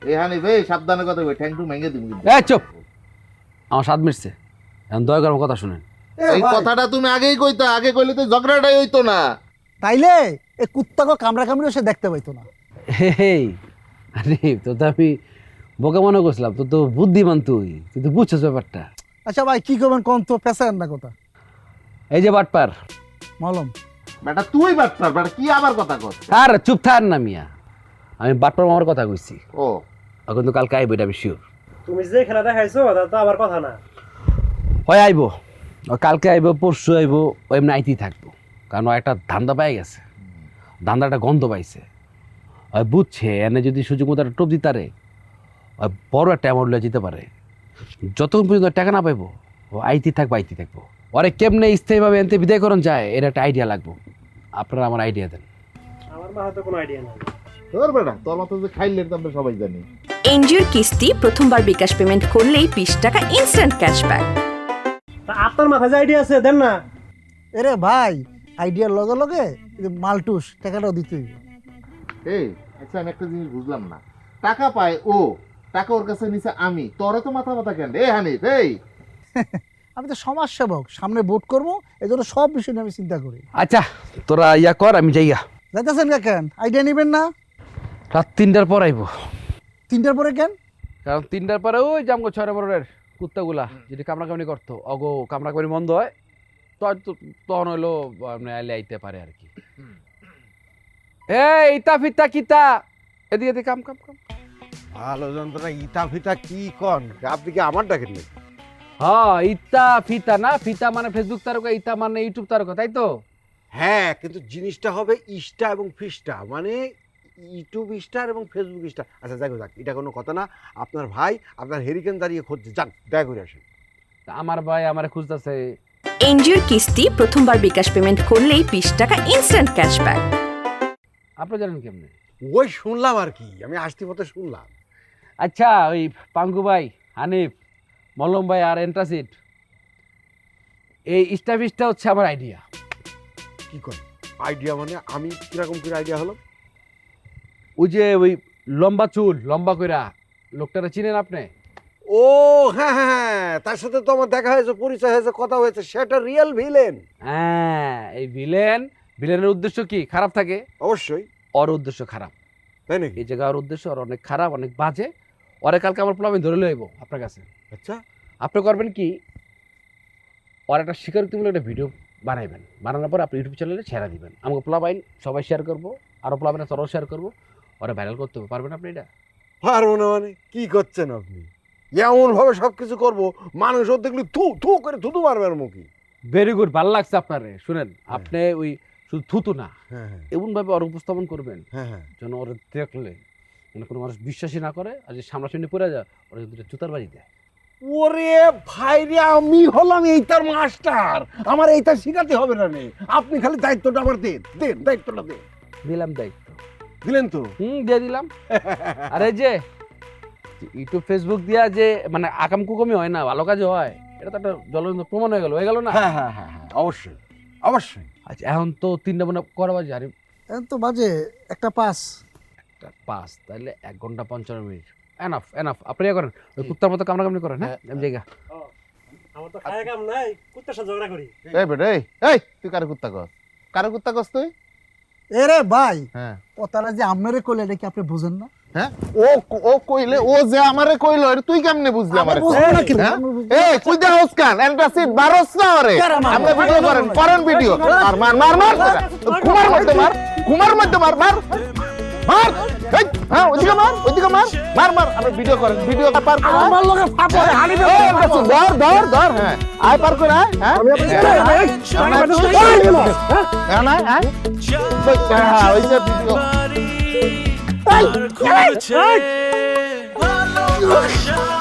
এই হানিফ এই সাবধানে কথা কই, ঠ্যাং টু ভেঙে দিবি কিন্তু। এই চুপ, আমার স্বাদ মিটছে, এখন দয়া করে আমার কথা শুনেন। এই কথাটা তুমি আগেই কইতা, আগে কইলে তো ঝগড়াটাই হইতো না। তাইলে এই কুত্তাকে কামড়া কামড়িও সে দেখতে পাইতো না। হেই আরে তো আমি বোকা মনে করছিলাম, তো বুদ্ধিমান, তুই তো বুঝছিস ব্যাপারটা। আচ্ছা ভাই কি করবেন কোন তো পেশার না কথা এই যে বাটপার মালুম। বেটা তুই বাটপার, বেটা কি আবার কথা কর? আর চুপ থাক না মিয়া, আমি বাটপার মামার কথা কইছি। ও কিন্তু কালকে আইব, এটা আমি শিওর। তুমি যে খেলা দেখাইছো তা তো আবার কথা না। হয় আইব, ও কালকে আইব, পরশু আইব, ও এমনি আইতেই থাকবো, কারণ ও একটা ধান্দা পাই গেছে, ধান্দাটা গন্ধ পাইছে। ওই বুঝছে এনে যদি সুযোগ মতো একটা টোপ দিতারে বড় একটা অ্যামাউন্ট লয়ে যেতে পারে। যতক্ষণ পর্যন্ত টাকা না পাইবো ও আইতেই থাকবো। ওরে কেমনে স্থায়ীভাবে এনতে বিদায় করণ যায় এর একটা আইডিয়া লাগবো। আপনারা আমার আইডিয়া দেন। আমার মাথায় তো কোনো আইডিয়া নাই। তোর বেটা, তোর মতো যে খাইলে তো আমরা সবাই জানি। এনজিওর কিস্তি প্রথমবার বিকাশ পেমেন্ট করলেই 20 টাকা ইনস্ট্যান্ট ক্যাশব্যাক। তা আপনার মাথায় যে আইডিয়া আছে দেন না। এরে ভাই আইডিয়ার লগে লগে মালটুস টাকাটাও দিতে হইবে। এই আচ্ছা আমি একটা জিনিস বুঝলাম না, টাকা পায় ও, টাকা ওর কাছে নিছে আমি, তোরে তো মাথা মাথা কেন? এই হানিফ এই আমি তো সমাজ সেবক, সামনে ভোট করবো, এই জন্য সব বিষয় নিয়ে আমি চিন্তা করি। আচ্ছা তোরা ইয়া কর, আমি যাইয়া। যাইতেছেন কেন? আইডিয়া নিবেন না? রাত 3টার পর আইব। 3টার পরে কেন? কারণ 3টার পরে ওই জামগো 6 নম্বরের কুত্তাগুলা যদি কামড়াকামড়ি করতো, অগো কামড়াকামড়ি বন্ধ হয় তখন হইলো আইলে আইতে পারে আর কি। এই ইতা ফিতা কিতা এদিকে কাম কাম কাম। ভালো যন্ত্রণা ইটা ফিটা কি কন, আপনি কি আমার ডাকেন নাকি? হ্যাঁ ইতা ফিতা না, ফিতা মানে ফেসবুক তারকা, ইতা মানে ইউটিউব তারকা, তাই তো? হ্যাঁ, কিন্তু জিনিসটা হবে ইস্টা এবং ফিস্টা, মানে ইউটিউব স্টার এবং ফেসবুক স্টার। আচ্ছা যাই হোক, এটা কোনো কথা না। আপনার ভাই আপনার হেরিকেন দাঁড়িয়ে খুঁজছে, যান দেখা করে আসেন। আমার ভাই আমার খুঁজতেছে। এনজিওর কিস্তি প্রথমবার বিকাশ পেমেন্ট করলেই 20 টাকা ইনস্ট্যান্ট ক্যাশব্যাক। আপনি জানেন কেমনে? ওই শুনলাম আর কি, আমি আসতে পথে শুনলাম। আচ্ছা ওই পাঙ্কু ভাই, হানিফ, মল্লম ভাই আর এন্ট্রাসিড, এই স্টাফিসটা হচ্ছে আমার আইডিয়া। কি করেন আইডিয়া? মানে আমি কিরকম করে আইডিয়া হলো? ওই যে ওই লম্বা চুল লম্বা কইরা লোকটারা চিনেন আপনি? ও হ্যাঁ হ্যাঁ হ্যাঁ, তার সাথে তো আমার দেখা হয়েছে, পরিচয় হয়েছে, কথা হয়েছে। সেটা রিয়েল ভিলেন। হ্যাঁ এই ভিলেনের উদ্দেশ্য কি? খারাপ থাকে অবশ্যই। ওর উদ্দেশ্য খারাপ, তাই নাকি? এই জায়গা ওর উদ্দেশ্য ওর অনেক খারাপ, অনেক বাজে। ওরে কালকে আমার প্লাবিন ধরে লইব আপনার কাছে। আচ্ছা আপনি করবেন কি, ওর একটা স্বীকারোক্তিমূলক একটা ভিডিও বানাইবেন, বানানোর পর আপনি ইউটিউব চ্যানেলে ছেড়ে দিবেন। আমাকে প্লাবাইন সবাই শেয়ার করবো, আরও প্লাবাইন তোরাও শেয়ার করবো, ওরা ভাইরাল করতে হবে। পারবেন আপনি এটা? পারবো না মানে কি করছেন আপনি? এমন ভাবে সবকিছু করবো মানুষ ওর দেখলে থু থু করে থুতু মারবে আর মুখে। ভেরি গুড, ভালো লাগছে আপনার। শুনেন আপনি ওই শুধু থুতু না, হ্যাঁ হ্যাঁ এমনভাবে ওর উপস্থাপন করবেন হ্যাঁ হ্যাঁ। যেন ওরা দেখলে মানে কোনো মানুষ বিশ্বাসই না করে, আর যে সামনাসামনি পড়ে যায় ওরা দুটো জুতার বাড়ি দেয়। ওরে ভাই রে, আমি হলাম এইটার মাস্টার, আমার এইটা শিখাতে হবে না রে। আপনি খালি দায়িত্বটা আমার দেন, দেন দায়িত্বটা দেন। দিলাম দায়িত্ব, দিলেন তো? দিয়ে দিলাম। আর এই যে ইউটিউব ফেসবুক দিয়া যে মানে আকাম কুকমি হয় না, ভালো কাজে হয়, এটা তো একটা জ্বলন্ত প্রমাণ হয়ে গেল না? হ্যাঁ হ্যাঁ হ্যাঁ হ্যাঁ, অবশ্যই অবশ্যই। আচ্ছা এখন তো 3টা মনে করা বাজে, আরে এখন তো বাজে 1:05। 5 তাহলে 1 ঘন্টা 55 মিনিট এনাফ এনাফ। আপনি ইয়ে করেন, ওই কুত্তার মতো কামড়াকামড়ি করেন। হ্যাঁ আমি জায়গা আমার তো খায় কাম নাই, কুত্তার সাথে ঝগড়া করি। এই বেটা এই তুই কারে কুত্তা কস? কারে কুত্তা কস তুই? এরে ভাই হ্যাঁ কথাটা যে আপনারে কইলে এটা কি আপনি বুঝেন না? হ্যাঁ ও কইলে, ও যে আমারে কইলো এটা তুই কেমনে বুঝলি আমারে? বুঝবো না কি? এই কই দে হসকান এন্টাসিড বারোস না ওরে। আমরা ভিডিও করেন ভিডিও। মার মার মার মার কুমার মধ্যে মার, কুমার মধ্যে মার মার মার। এই হ্যাঁ ওইদিকে মার মার মার। আমরা ভিডিও করেন, ভিডিও পার করে আমার লগে ফাপড়ে হানি দে। ধর হ্যাঁ আয় পার করে আয়। হ্যাঁ না আয় হ্যাঁ ওই যে ভিডিও। ভালোবাসা